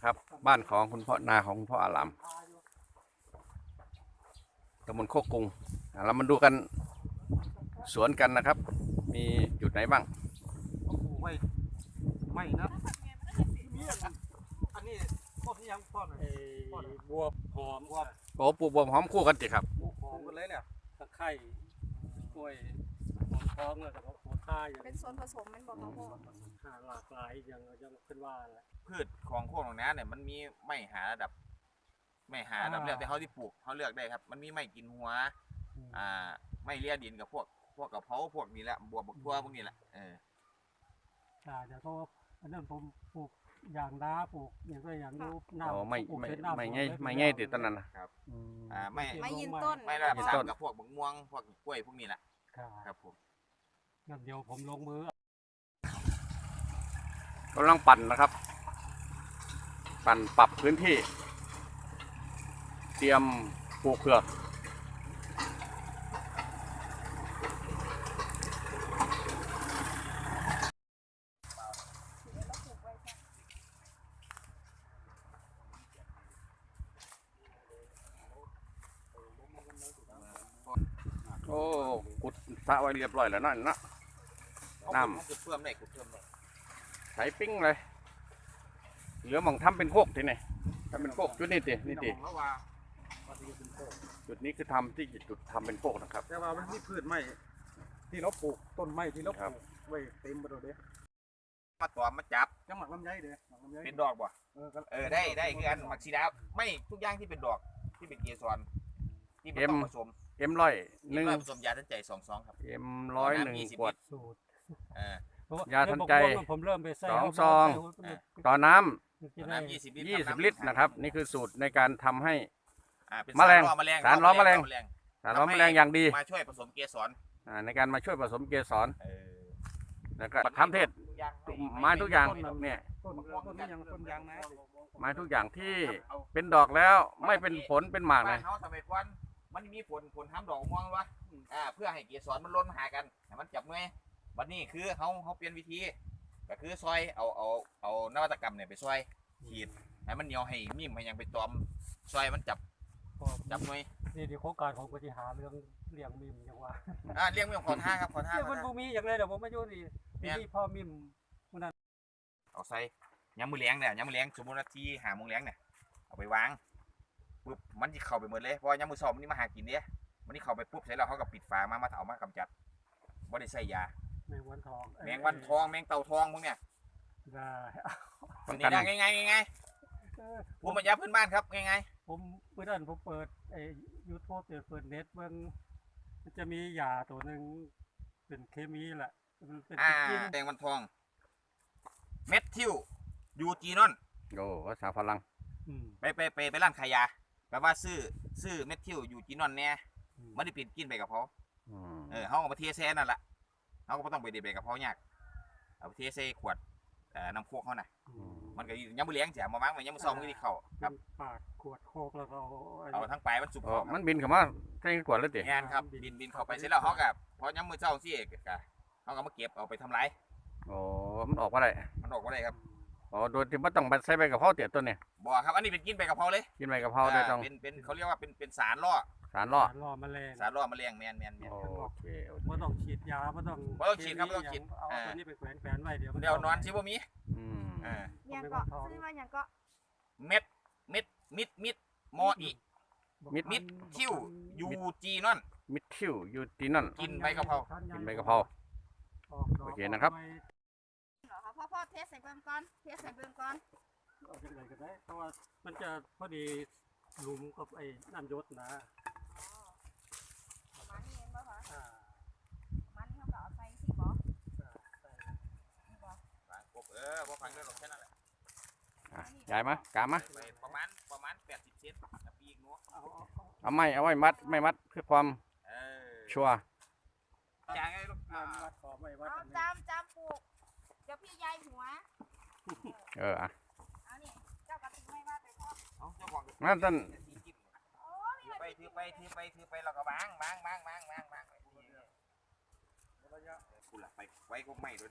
นะครับบ้านของคุณพ่อนาของคุณพ่ออารามตำบลโคกกุงเรามาดูกันสวนกันนะครับมีจุดไหนบ้างไม่นะอันนี้ต้นนี้ยังต้นบวบหอมว่าโอ้ปลูกบวบหอมคู่กันจิครับบวบหอมกันเลยเนี่ยตะไคร้กล้วยหอมทองแล้วก็หัวข่าอย่างเป็นส่วนผสมมันบอกเขาพ่อหลากหลายอย่างขึ้นว่าแหละพืชของโคกหนองนาเนี่ยมันมีไม่หาระดับเลือกแต่เขาที่ปลูกเขาเลือกได้ครับมันมีไม่กินหัวไม่เลี้ยดินกับพวกกระเพราพวกนี้แหละบวบบักทั่วพวกนี้แหละเดี๋ยวก็อันนั้นผมปลูกอย่างดาปลูกอย่างก็อย่างนู้นไม่ง่ายติดต้นนั้นนะครับไม่ยืนต้นไม่ระดับ3กับพวกบักม่วงพวกกล้วยพวกนี้แหละครับผมงั้นเดี๋ยวผมลงมือกำลังปั่นนะครับ ปั่นปรับพื้นที่เตรียมปลูกเผือกโอ้กุดสระไว้เรียบร้อยแล้วนั่นนะน้ำกุดเพิ่มได้ใส่ปิ้งเลยเหลือมองทำเป็นโคกทีนี่ทำเป็นโคกจุดนี้ติจุดนี้คือทำที่จุดทำเป็นโคกนะครับแต่ว่ามันมีพืชไม้ที่เราปลูกต้นไม้ที่เราปลูกไว้เต็มไปหมดเลยมาตอมมาจับจังหวัดลำไยเด้เป็นดอกบ่ได้คืออันมักซีดาไม่ทุกอย่างที่เป็นดอกที่เป็นเกสรที่เป็นผสม 100 ผสมยาทันใจ2 ครับ 100 ขวดยาทันใจผมเริ่มไปใส่ 2 ซองต่อน้ำ20 ลิตรนะครับนี่คือสูตรในการทำให้แมลงสารล้อมแมลงอย่างดีมาช่วยผสมเกสรในการมาช่วยผสมเกสรแล้วก็ทำเทศไม้ทุกอย่างเนี่ยไม้ทุกอย่างที่เป็นดอกแล้วไม่เป็นผลเป็นหมากเลยมันมีผลทำดอกม่วงวะเพื่อให้เกสรมันล้นหากันมันจับเงยวันนี้คือเขาเปลี่ยนวิธีก็คือซอยเอานวัตกรรมเนี่ยไปซอยขีดให้มันเหนียวให้มิ่มให้ยังไปตอมซอยมันจับเงยนี่โครงการของปฏิหารเรื่องเลี้ยงมิ่มอย่างว่าเลี้ยงมิ่มขอท่าครับเรื่องมันบูมีอย่างไรเดี๋ยวผมไม่ยุ่งนี่ที่พ่อมิ่มมันนั้นเอาใส่ย้ำมือเลี้ยงเนี่ยย้ำมือเลี้ยงสมมติว่าที่หาโมงเลี้ยงเนี่ยเอาไปวางปุ๊บมันจะเข้าไปหมดเลยเพราะย้ำมือสอบมันนี่มาหากินเนี่ยมันนี่เข้าไปปุ๊บเสร็จแล้วเขาก็ปิดฝามาเอามากำจัดบ่ได้ใส่ยาแมงวันทองแมงเต่าทองพวกเนี้ยได้ง่ายผมมาย้ำพื้นบ้านครับง่ายผมเมื่อนั้นผมเปิดยูทูบเปิดเน็ตมันจะมียาตัวหนึ่งเป็นเคมีแหละเป็นแมงวันทองเม็ดทิวยูจีนอนโอ้ภาษาฝรั่งไปร้านขายยาแปลว่าซื้อเม็ดทิวยูจีนอนเนี่ยไม่ได้ปิดกินไปกับเขาเขาเอามาเทเซนั่นแหละเขาก็ต้องไปเด็ดไปกับเขายากเอาเทเซขวดน้ำโคกเขาน่ะมันก็ยังไม่เลี้ยงเสียมาบ้างมันยังไม่ซ้อมที่เขาครับปากขวดโคกแล้วก็เอาทั้งปลายมันสุกมันบินเข้ามาใส่ขวดเลยติงานครับบินเข้าไปเสร็จแล้วเขากับพอยังมือเจ้าซี่เขาก็มาเก็บเอาไปทำไรโอ้มันออกว่าไรครับอ๋อโดยที่ไม่ต้องใส่ไปกับเพราเตี๋ยตัวเนี่ยบ่ครับอันนี้เป็นกินไปกับเพราเลยกินไปกับเพราเลยต้องเป็นเขาเรียกว่าเป็นสารล่อแมลงแมลงแมนโอเคไม่ต้องฉีดยาไม่ต้องฉีดครับไม่ต้องฉีดเอาตัวนี้ไปแขวนไว้เดี๋ยวนอนชิบ่มียังก็ซื้อมายังก็เม็ดมออีมิดทิวยูจีนอนมิดทิวยูจีนอนกินใบกะเพราโอเคนะครับพ่อเทใส่เบิ่งก่อนเอาอย่างไรก็ได้เพราะว่ามันจะพอดีหลุมกับไอ้น้ำยศนะประมาณนี้เองป่ะคะมันเขาก็เอาใส่สิบ่พอฟังได้หรอกแค่นั้นแหละใหญ่ไหมกามาประมาณ80 เซนปีกนู้เอาไว้มัดไม่มัดเพื่อความชัวร์จ่ายไงลูกจำปลูกเดี๋ยวพี่ยายหัวเอานี่เจ้ากระติกไม่ว่าไปพ่อนั่นต้นถือไปแล้วก็บางคุณล่ะไปไว้ก็ไม่ด้วย